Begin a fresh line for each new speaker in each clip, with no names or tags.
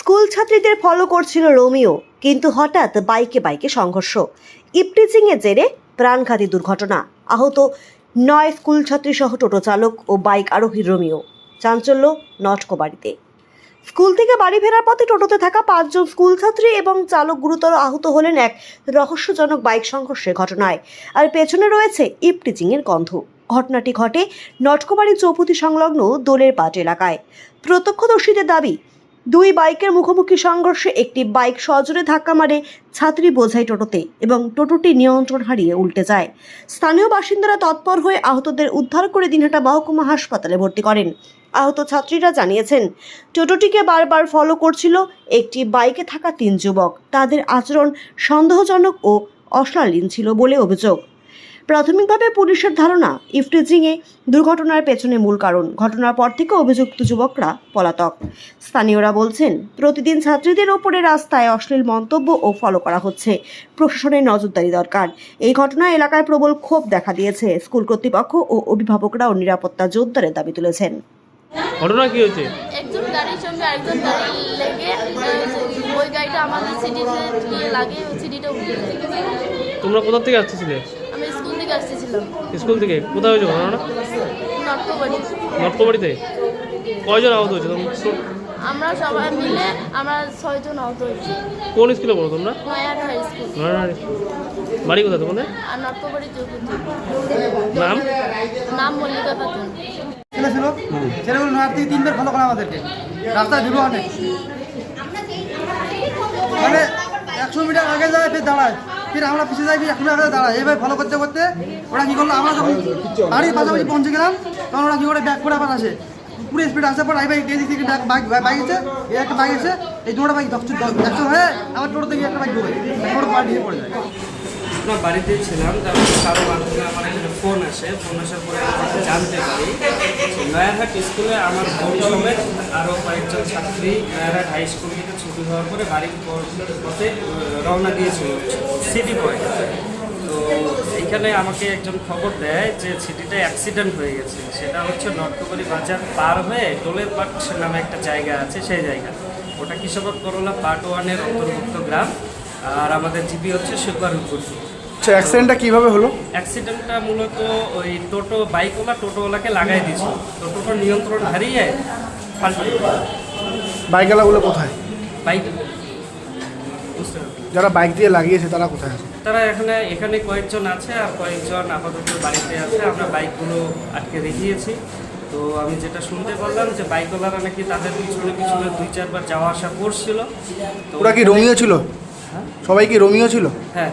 School ছাত্রীদের follow করছিল Romeo, কিন্তু হঠাৎ বাইকে বাইকে সংঘর্ষ। ইপটিজিংয়ের জেরে প্রাণঘাতী দুর্ঘটনা। আহত 9 স্কুল ছাত্রী সহ টোটো চালক ও বাইক আরোহী রোমিও। চাঞ্চল্য নটকোবাড়িতে। স্কুল থেকে বাড়ি ফেরার পথে টোটোতে থাকা 5 জন স্কুল ছাত্রী এবং চালক গুরুতর আহত হলেন এক রহস্যজনক বাইক সংঘর্ষের ঘটনায়। আর পেছনে রয়েছে ইপটিজিংয়ের গন্ধ। ঘটনাটি ঘটে নটকোবাড়ি চৌপতি সংলগ্ন দোলের পাট এলাকায়। প্রত্যক্ষদর্শীদের দাবি, 2 বাইকের মুখোমুখি সংঘর্ষে একটি বাইক সজোরে ধাক্কা মারে ছাত্রী বোঝাই টোটোতে এবং টোটোটি নিয়ন্ত্রণ হারিয়ে উল্টে যায়। স্থানীয় বাসিন্দারা তৎপর হয়ে আহতদের উদ্ধার করে দিনহাটা মহকুমা হাসপাতালে ভর্তি করেন। আহত ছাত্রীরা জানিয়েছেন, টোটোটিকে বারবার ফলো করছিল একটি বাইকে থাকা 3 যুবক। তাদের আচরণ সন্দেহজনক ও অশালীন ছিল বলে অভিযোগ। প্রাথমিকভাবে পুলিশের ধারণা, ইপটিজিংয়ে দুর্ঘটনার পেছনে মূল কারণ। ঘটনার পর থেকে অভিযুক্ত যুবকরা পলাতক। স্থানীয়রা বলছেন, প্রতিদিন ছাত্রীদের ওপরে রাস্তায় অশ্লীল মন্তব্য ও ফলো করা হচ্ছে। প্রশাসনের নজরদারি দরকার। এই ঘটনায় এলাকায় প্রবল ক্ষোভ দেখা দিয়েছে। স্কুল কর্তৃপক্ষ ও অভিভাবকরাও নিরাপত্তা জোরদারের দাবি তুলেছেন।
ঘটনা কি হয়েছে?
একজন গাড়ির সঙ্গে আরেকজন গাড়ি লেগে ওই গাড়িটা আমাদের সিটিতে গিয়ে লাগে, ওই সিটিটা উঠে যায়।
তোমরা কোথা থেকে আসতেছিলে?
আমি স্কুল থেকে আসতেছিলাম।
স্কুল থেকে? কোথায় হয়েছে ঘটনাটা?
নটকোবাড়ি।
নটকোবাড়িতে? কয়জন আহত হয়েছে?
আমরা সবাই মিলে আমরা 6 জন আহত হয়েছি।
কোন স্কুলে পড়ো তোমরা?
Nayahat high school.
নয়নার স্কুল। বাড়ি কোথায় তোমাদের?
আর নটকোবাড়ি চৌপতি।
নাম?
নাম মল্লিকা খাতুন।
ছিল ছেলেগুলো নয়ার থেকে 3 বার ফলো করে আমাদেরকে, রাস্তায় ধুলো অনেক, মানে 100 মিটার আগে যায় ফের দাঁড়ায়, ফির আমরা পিছিয়ে যাই, ফির 100 মিটার আগে দাঁড়ায়। এইভাবে ফলো করতে করতে ওরা কী করলো, আমরা যখন বাড়ির পাশাপাশি পৌঁছে গেলাম তখন ওরা কী করে ব্যাক করে আবার আসে, পুরো স্পিড আসার পর এই বাইক এদিক থেকে বাইক এসে, এই একটা বাইক এসে এই দুটো বাইক অ্যাকশন হয়ে আমার টোটো থেকে একটা বাইক ঢুকে টোটো পার দিয়ে পড়ে যায়।
আমরা বাড়িতে ছিলাম, তারপরে কারো মাধ্যমে আমার এখানে ফোন আসার পরে আমি জানতে পারি নয়ারহাট স্কুলে আমার বোন সমেত আরও কয়েকজন ছাত্রী নয়ারহাট হাই স্কুল থেকে ছুটি হওয়ার পরে বাড়ির পথে রওনা দিয়েছিল সিটি পয়েন্ট। তো এইখানে আমাকে একজন খবর দেয় যে সিটিতে অ্যাক্সিডেন্ট হয়ে গেছে। সেটা হচ্ছে নটকোবাড়ি বাজার পার হয়ে দোলের পাট নামে একটা জায়গা আছে, সেই জায়গা। ওটা কৃষক করলা পার্ট 1-এর অন্তর্ভুক্ত গ্রাম। আর আমাদের জিপি হচ্ছে সুপারপুর।
আচ্ছা, অ্যাক্সিডেন্টটা কীভাবে হলো?
অ্যাক্সিডেন্টটা মূলত ওই টোটোওয়ালাকে লাগাই দিয়েছিল। টোটোটা নিয়ন্ত্রণ হারিয়ে পাল্টে।
বাইকওয়ালাগুলো কোথায়?
বাইক বুঝতে পারছি।
যারা বাইক দিয়ে লাগিয়েছে তারা কোথায় আছে?
তারা এখানে কয়েকজন আছে, আর কয়েকজন আপাতত বাড়িতে আছে। আমরা বাইকগুলো আটকে রেখেছি। তো আমি যেটা শুনতে পারলাম যে বাইকওয়ালারা নাকি তাদের পিছনে 2-4 বার যাওয়া আসা করছিল। তো
ওরা কি রোমিও ছিল? সবাই কি রোমিও ছিল?
হ্যাঁ,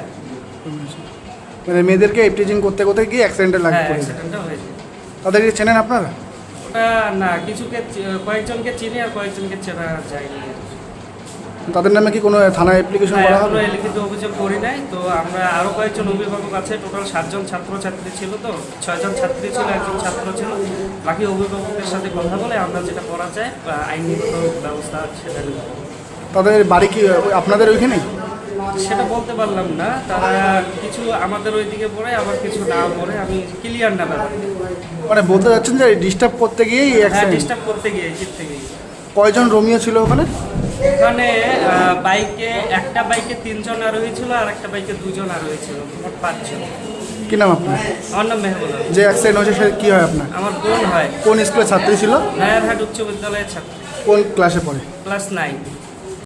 মানে মেয়েদেরকে ইপটিজিং করতে করতে গিয়ে অ্যাক্সিডেন্টে লাগে পড়েছে।
অ্যাক্সিডেন্টটা হয়েছে।
তাদেরকে চেনেন আপনারা?
ওটা না, কয়েকজনকে চিনি আর কয়েকজনকে চেনা যায়নি।
তাদের নামে কি কোনো থানায় অ্যাপ্লিকেশন করা হবে?
এখনো লিখিত অভিযোগ করি নাই। তো আমরা আরও কয়েকজন অভিভাবক আছে, টোটাল 7 জন ছাত্রছাত্রী ছিল। তো 6 জন ছাত্রী ছিল, 1 জন ছাত্র ছিল। বাকি অভিভাবকদের সাথে কথা বলে আমরা যেটা করা যায় আইনগত ব্যবস্থা সেটা নেব।
তাদের বাড়ি কি আপনাদের ওইখানেই?
সেটা বলতে পারলাম না। তারা কিছু আমাদের ওইদিকে পড়ে, আবার কিছু না পড়ে। আমি ক্লিয়ার না ব্যাপার।
মানে বলতে যাচ্ছেন যে ডিস্টার্ব করতে গিয়েই অ্যাক্সিডেন্ট?
ডিস্টার্ব করতে গিয়ে, জিততে গিয়ে।
কয়জন রোমিও ছিল ওখানে?
ওখানে একটা বাইকে 3 জন আরোহী ছিল, আর একটা বাইকে 2 জন আরোহী ছিল, মোট 5 জন।
কি নাম আপনার?
আমার নাম মেহবুব।
যে অ্যাক্সিডেন্ট হয়েছে সে কি হয় আপনার?
আমার বোন হয়।
কোন স্কুলের ছাত্রী ছিল?
নয়ারহাট উচ্চ বিদ্যালয়ের ছাত্র।
কোন ক্লাসে পড়ে?
ক্লাস 9।